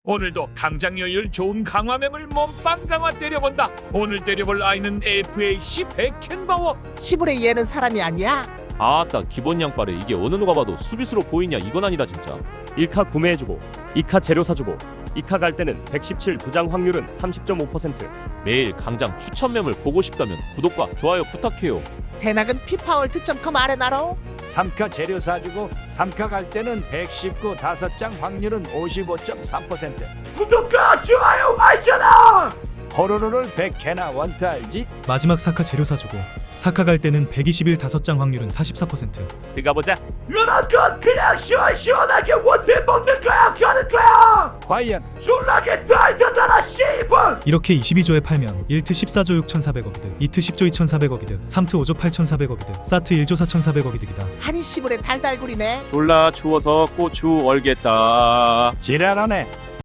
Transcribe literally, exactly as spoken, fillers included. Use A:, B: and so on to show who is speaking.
A: 오늘도 강장여율 좋은 강화mem을 몸빵 강화 때려본다. 오늘 때려볼 아이는 에프에이씨 백캔바워.
B: 시부레 얘는 사람이 아니야?
C: 아따 기본 양빠래. 이게 어느 누가 봐도 수비수로 보이냐. 이건 아니다 진짜.
D: 일 카 구매해주고 이 카 재료 사주고 이 카 갈 때는 백십칠 부장 확률은 삼십 점 오 퍼센트.
C: 매일 강장 추천mem을 보고 싶다면 구독과 좋아요 부탁해요.
B: 대낙은 피파월드 닷컴 아레나로.
E: 삼 카 재료 사주고 삼 카 갈 때는 백십구 다섯 장 확률은 오십오 점 삼 퍼센트.
A: 구독과 좋아요 알잖아.
E: 호로로를 백 개나 원타 알지?
F: 마지막 사카 재료 사주고 사카 갈 때는 백이십일 다섯 장 확률은 사십사 퍼센트.
D: 들어가보자.
A: 이런 건 그냥 시원시원하게 원태 먹는 거야. 가는 거야.
E: 과연
A: 졸라게 달달달아 씨발.
F: 이렇게 이십이 조에 팔면 일 트 십사 조 육천사백억이득, 이 트 십 조 이천사백억이득, 삼 트 오 조 팔천사백억이득, 사 트 일 조 사천사백억이득이다.
B: 한이 시부레 달달구리네.
D: 졸라 추워서 고추 얼겠다.
E: 지랄하네.